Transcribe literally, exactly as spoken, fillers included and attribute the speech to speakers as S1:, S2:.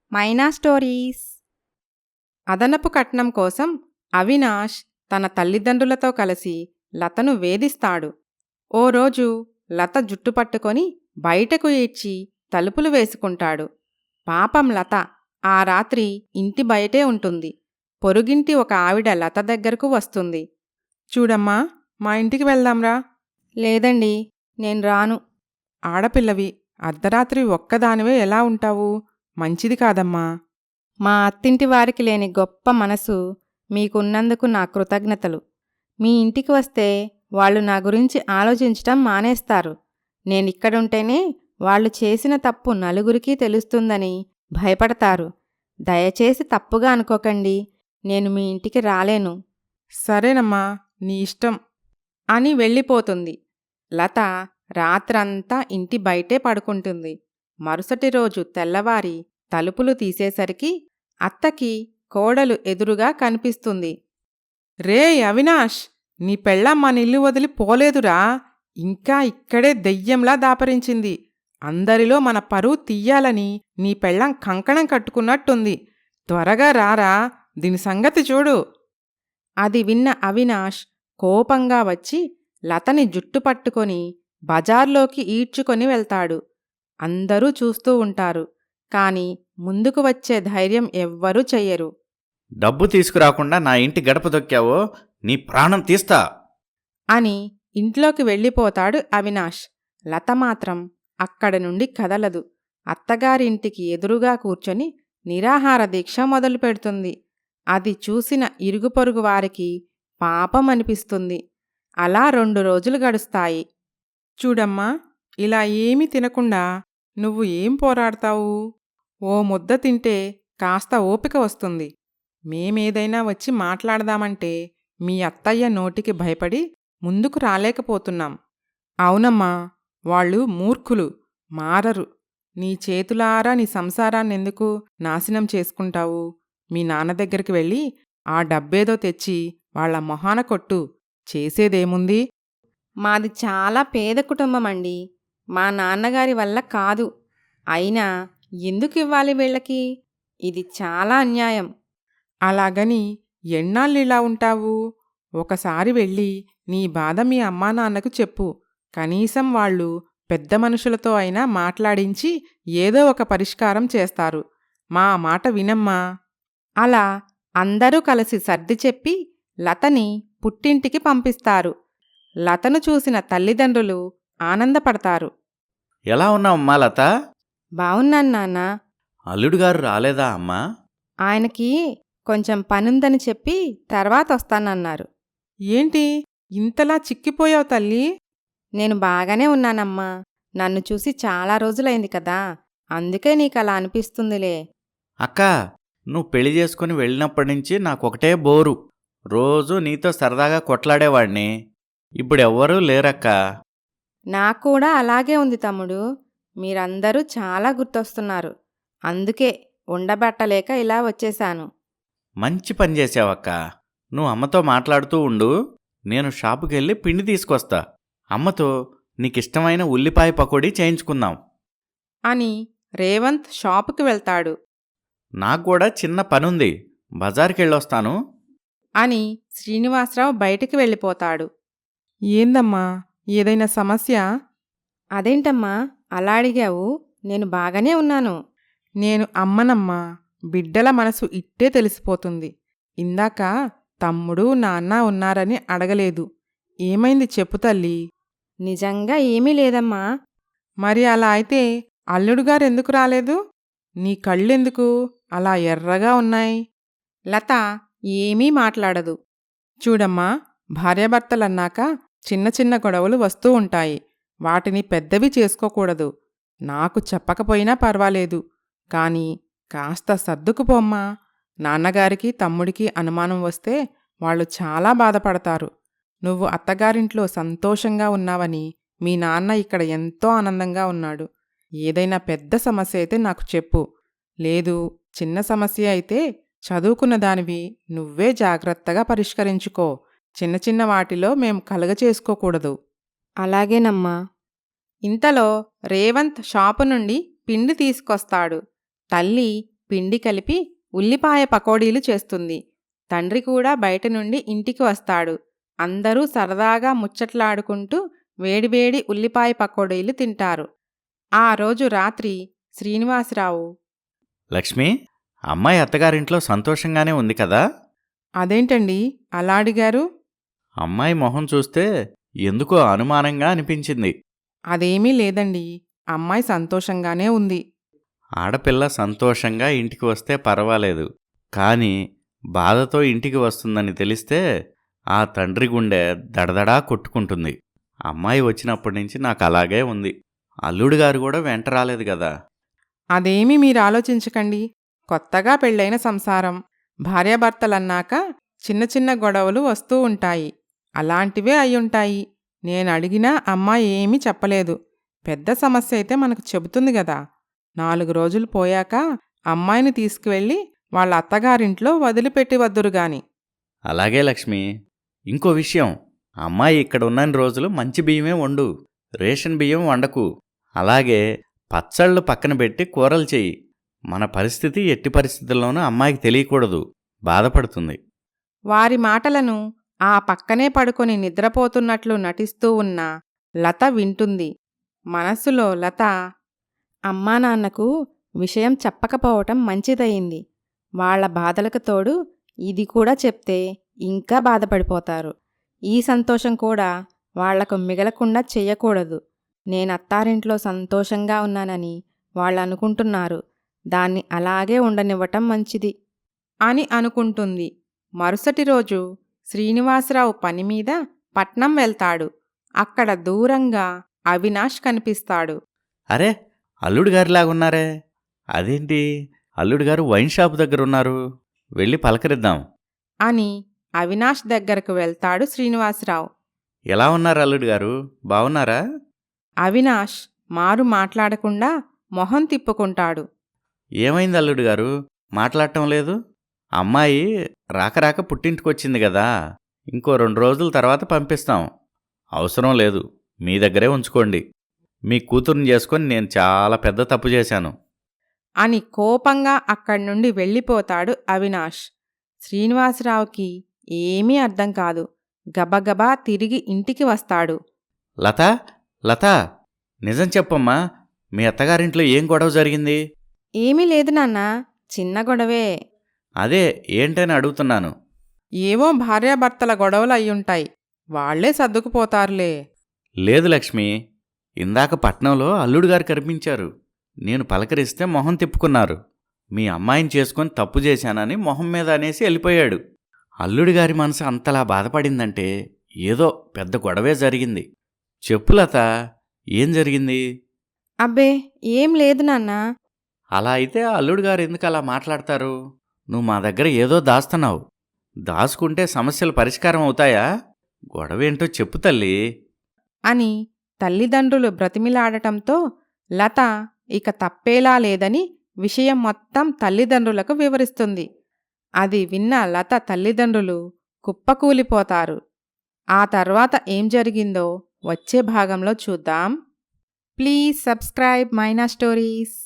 S1: మైనా stories. అదనపు కట్నం కోసం అవినాష్ తన తల్లిదండ్రులతో కలిసి లతను వేధిస్తాడు. ఓ రోజు లత జుట్టు పట్టుకొని బయటకు ఈడ్చి తలుపులు వేసుకుంటాడు. పాపం లత ఆ రాత్రి ఇంటి బయటే ఉంటుంది. పొరుగింటి ఒక ఆవిడ లత దగ్గరకు వస్తుంది.
S2: చూడమ్మా, మా ఇంటికి వెళ్దాంరా.
S1: లేదండి, నేను రాను.
S2: ఆడపిల్లవి అర్ధరాత్రి ఒక్కదానివే ఎలా ఉంటావు? మంచిది కాదమ్మా.
S1: మా అత్తింటి వారికి లేని గొప్ప మనసు మీకున్నందుకు నా కృతజ్ఞతలు. మీ ఇంటికి వస్తే వాళ్ళు నా గురించి ఆలోచించటం మానేస్తారు. నేనిక్కడుంటేనే వాళ్ళు చేసిన తప్పు నలుగురికి తెలుస్తుందని భయపడతారు. దయచేసి తప్పుగా అనుకోకండి, నేను మీ ఇంటికి రాలేను.
S2: సరేనమ్మా, నీ ఇష్టం
S1: అని వెళ్ళిపోతుంది. లత రాత్రంతా ఇంటి బయటే పడుకుంటుంది. మరుసటి రోజు తెల్లవారి తలుపులు తీసేసరికి అత్తకి కోడలు ఎదురుగా కనిపిస్తుంది.
S2: రే అవినాష్, నీ పెళ్ళాం మన ఇల్లు వదిలి పోలేదురా. ఇంకా ఇక్కడే దెయ్యంలా దాపరించింది. అందరిలో మన పరువు తీయాలని నీ పెళ్ళాం కంకణం కట్టుకున్నట్టుంది. త్వరగా రారా, దీని సంగతి చూడు.
S1: అది విన్న అవినాష్ కోపంగా వచ్చి లతని జుట్టు పట్టుకొని బజార్లోకి ఈడ్చుకొని వెళ్తాడు. అందరూ చూస్తూ ఉంటారు, కాని ముందుకు వచ్చే ధైర్యం ఎవ్వరూ చెయ్యరు.
S3: డబ్బు తీసుకురాకుండా నా ఇంటి గడప దొక్కావో నీ ప్రాణం తీస్తా
S1: అని ఇంట్లోకి వెళ్ళిపోతాడు అవినాష్. లత మాత్రం అక్కడి నుండి కదలదు. అత్తగారింటికి ఎదురుగా కూర్చొని నిరాహార దీక్ష మొదలుపెడుతుంది. అది చూసిన ఇరుగుపొరుగు వారికి పాపం అనిపిస్తుంది. అలా రెండు రోజులు గడుస్తాయి.
S2: చూడమ్మా, ఇలా ఏమీ తినకుండా నువ్వు ఏం పోరాడతావు? ఓ ముద్ద తింటే కాస్త ఓపిక వస్తుంది. మేమేదైనా వచ్చి మాట్లాడదామంటే మీ అత్తయ్య నోటికి భయపడి ముందుకు రాలేకపోతున్నాం. అవునమ్మా, వాళ్ళు మూర్ఖులు, మారరు. నీ చేతులారా నీ సంసారాన్నెందుకు నాశనం చేసుకుంటావు? మీ నాన్న దగ్గరికి వెళ్ళి ఆ డబ్బేదో తెచ్చి వాళ్ల మొహాన కొట్టు. చేసేదేముంది?
S1: మాది చాలా పేద కుటుంబమండి. మా నాన్నగారి వల్ల కాదు. అయినా ఎందుకు ఇవ్వాలి వీళ్ళకి? ఇది చాలా అన్యాయం.
S2: అలాగని ఎన్నాళ్ళిలా ఉంటావు? ఒకసారి వెళ్ళి నీ బాధ మీ అమ్మా నాన్నకు చెప్పు. కనీసం వాళ్ళు పెద్ద మనుషులతో అయినా మాట్లాడించి ఏదో ఒక పరిష్కారం చేస్తారు. మా మాట వినమ్మా.
S1: అలా అందరూ కలిసి సర్ది చెప్పి లతని పుట్టింటికి పంపిస్తారు. లతను చూసిన తల్లిదండ్రులు ఆనందపడతారు.
S3: ఎలా ఉన్నావమ్మా లత?
S1: బావున్నాను నాన్నా.
S3: అల్లుడుగారు రాలేదా అమ్మా?
S1: ఆయనకి కొంచెం పనుందని చెప్పి తర్వాత వస్తానన్నారు.
S2: ఏంటి ఇంతలా చిక్కిపోయావు తల్లి?
S1: నేను బాగానే ఉన్నానమ్మా. నన్ను చూసి చాలా రోజులైంది కదా, అందుకే నీకలా అనిపిస్తుందిలే.
S3: అక్కా, నువ్వు పెళ్లి చేసుకుని వెళ్ళినప్పటినుంచి నాకొకటే బోరు. రోజూ నీతో సరదాగా కొట్లాడేవాణ్ణి. ఇప్పుడెవ్వరూ లేరక్కా.
S1: నాక్కూడా అలాగే ఉంది తమ్ముడు. మీరందరూ చాలా గుర్తొస్తున్నారు. అందుకే ఉండబట్టలేక ఇలా వచ్చేశాను.
S3: మంచి పని చేసావక్కా. నువ్వు అమ్మతో మాట్లాడుతూ ఉండు, నేను షాపుకెళ్ళి పిండి తీసుకొస్తా. అమ్మతో నీకిష్టమైన ఉల్లిపాయ పకోడీ చేయించుకుందాం
S2: అని రేవంత్ షాపుకి వెళ్తాడు.
S3: నాక్కూడా చిన్న పనుంది, బజార్కెళ్ళొస్తాను
S2: అని శ్రీనివాసరావు బయటికి వెళ్ళిపోతాడు. ఏందమ్మా, ఏదైనా సమస్య?
S1: అదేంటమ్మా అలా అడిగావు? నేను బాగానే ఉన్నాను.
S2: నేను అమ్మనమ్మా. బిడ్డల మనసు ఇట్టే తెలిసిపోతుంది. ఇందాక తమ్ముడు నాన్న ఉన్నారని అడగలేదు. ఏమైంది చెప్పు తల్లి.
S1: నిజంగా ఏమీ లేదమ్మా.
S2: మరి అలా అయితే అల్లుడుగారెందుకు రాలేదు? నీ కళ్ళెందుకు అలా ఎర్రగా ఉన్నాయి?
S1: లత ఏమీ మాట్లాడదు.
S2: చూడమ్మా, భార్యాభర్తలన్నాక చిన్న చిన్న గొడవలు వస్తూ ఉంటాయి. వాటిని పెద్దవి చేసుకోకూడదు. నాకు చెప్పకపోయినా పర్వాలేదు, కాని కాస్త సర్దుకుపోమ్మా. నాన్నగారికి తమ్ముడికి అనుమానం వస్తే వాళ్ళు చాలా బాధపడతారు. నువ్వు అత్తగారింట్లో సంతోషంగా ఉన్నావని మీ నాన్న ఇక్కడ ఎంతో ఆనందంగా ఉన్నాడు. ఏదైనా పెద్ద సమస్య అయితే నాకు చెప్పు. లేదు, చిన్న సమస్య అయితే చదువుకున్న దానివి నువ్వే జాగ్రత్తగా పరిష్కరించుకో. చిన్న చిన్న వాటిలో మేం కలగచేసుకోకూడదు.
S1: అలాగేనమ్మా.
S2: ఇంతలో రేవంత్ షాపు నుండి పిండి తీసుకొస్తాడు. తల్లి
S1: పిండి కలిపి ఉల్లిపాయ పకోడీలు చేస్తుంది. తండ్రి కూడా బయట నుండి ఇంటికి వస్తాడు. అందరూ సరదాగా ముచ్చట్లాడుకుంటూ వేడివేడి ఉల్లిపాయ పకోడీలు తింటారు. ఆ రోజు రాత్రి శ్రీనివాసరావు,
S3: లక్ష్మి, అమ్మాయి అత్తగారింట్లో సంతోషంగానే ఉంది కదా?
S2: అదేంటండి అలా అడిగారు?
S3: అమ్మాయి మొహం చూస్తే ఎందుకో అనుమానంగా అనిపించింది.
S2: అదేమీ లేదండి, అమ్మాయి సంతోషంగానే ఉంది.
S3: ఆడపిల్ల సంతోషంగా ఇంటికి వస్తే పర్వాలేదు, కానీ బాధతో ఇంటికి వస్తుందని తెలిస్తే ఆ తండ్రి గుండె దడదడా కొట్టుకుంటుంది. అమ్మాయి వచ్చినప్పటి నుంచి నాకు అలాగే ఉంది. అల్లుడు గారు కూడా వెంట రాలేదు కదా.
S2: అదేమీ మీరు ఆలోచించకండి. కొత్తగా పెళ్ళైన సంసారం, భార్యాభర్తలన్నాక చిన్న చిన్న గొడవలు వస్తూ ఉంటాయి. అలాంటివే అయ్యుంటాయి. నేను అడిగినా అమ్మాయి ఏమీ చెప్పలేదు. పెద్ద సమస్య అయితే మనకు చెబుతుంది గదా. నాలుగు రోజులు పోయాక అమ్మాయిని తీసుకువెళ్ళి వాళ్ళ అత్తగారింట్లో వదిలిపెట్టి వద్దురుగాని.
S3: అలాగే లక్ష్మి. ఇంకో విషయం, అమ్మాయి ఇక్కడ ఉన్నన్ని రోజులు మంచి బియ్యమే వండు, రేషన్ బియ్యం వండకు. అలాగే పచ్చళ్ళు పక్కన పెట్టి కూరలు చెయ్యి. మన పరిస్థితి ఎట్టి పరిస్థితుల్లోనూ అమ్మాయికి తెలియకూడదు, బాధపడుతుంది.
S1: వారి మాటలను ఆ పక్కనే పడుకొని నిద్రపోతున్నట్లు నటిస్తూ ఉన్న లత వింటుంది. మనస్సులో లత, అమ్మా నాన్నకు విషయం చెప్పకపోవటం మంచిదయింది. వాళ్ల బాధలకు తోడు ఇది కూడా చెప్తే ఇంకా బాధపడిపోతారు. ఈ సంతోషం కూడా వాళ్లకు మిగలకుండా చెయ్యకూడదు. నేనత్తారింట్లో సంతోషంగా ఉన్నానని వాళ్ళు అనుకుంటున్నారు. దాన్ని అలాగే ఉండనివ్వటం మంచిది అని అనుకుంటుంది. మరుసటి రోజు శ్రీనివాసరావు పనిమీద పట్నం వెళ్తాడు. అక్కడ దూరంగా అవినాష్ కనిపిస్తాడు.
S3: అరే, అల్లుడు గారిలాగున్నారే, అదేంటి అల్లుడు గారు వైన్ షాప్ దగ్గరున్నారు, వెళ్ళి పలకరిద్దాం
S1: అని అవినాష్ దగ్గరకు వెళ్తాడు శ్రీనివాసరావు.
S3: ఎలా ఉన్నారు అల్లుడు గారు, బావున్నారా?
S1: అవినాష్ మారు మాట్లాడకుండా మొహం తిప్పుకుంటాడు.
S3: ఏమైంది అల్లుడు గారు, మాట్లాడటం లేదు? అమ్మాయి రాకరాక పుట్టింటికొచ్చింది కదా, ఇంకో రెండు రోజుల తర్వాత పంపిస్తాం. అవసరం లేదు, మీ దగ్గరే ఉంచుకోండి. మీ కూతుర్ని చేసుకొని నేను చాలా పెద్ద తప్పు చేశాను
S1: అని కోపంగా అక్కడి నుండి వెళ్ళిపోతాడు అవినాష్. శ్రీనివాసరావుకి ఏమీ అర్థం కాదు. గబగబా తిరిగి ఇంటికి వస్తాడు.
S3: లత, లత, నిజం చెప్పమ్మా, మీ అత్తగారింట్లో ఏం గొడవ జరిగింది?
S1: ఏమీ లేదు నాన్నా, చిన్న గొడవే.
S3: అదే ఏంటని అడుగుతున్నాను.
S2: ఏవో భార్యాభర్తల గొడవలు అయ్యుంటాయి, వాళ్లే సర్దుకుపోతారులే.
S3: లేదు లక్ష్మి, ఇందాక పట్నంలో అల్లుడు గారు కనిపించారు. నేను పలకరిస్తే మొహం తిప్పుకున్నారు. మీ అమ్మాయిని చేసుకొని తప్పు చేశానని మొహం మీద అనేసి వెళ్ళిపోయాడు. అల్లుడి గారి మనసు అంతలా బాధపడిందంటే ఏదో పెద్ద గొడవే జరిగింది. చెప్పు లత, ఏం జరిగింది?
S1: అబ్బే ఏం లేదు నాన్నా.
S3: అలా అయితే అల్లుడు గారు ఎందుకు అలా మాట్లాడతారు? నువ్వు మా దగ్గర ఏదో దాస్తున్నావు. దాచుకుంటే సమస్యలు పరిష్కారం అవుతాయా? గొడవేంటో చెప్పు తల్లి
S1: అని తల్లిదండ్రులు బ్రతిమిలాడటంతో లత ఇక తప్పేలా లేదని విషయం మొత్తం తల్లిదండ్రులకు వివరిస్తుంది. అది విన్న లత తల్లిదండ్రులు కుప్పకూలిపోతారు. ఆ తర్వాత ఏం జరిగిందో వచ్చే భాగంలో చూద్దాం. Please subscribe Maina stories.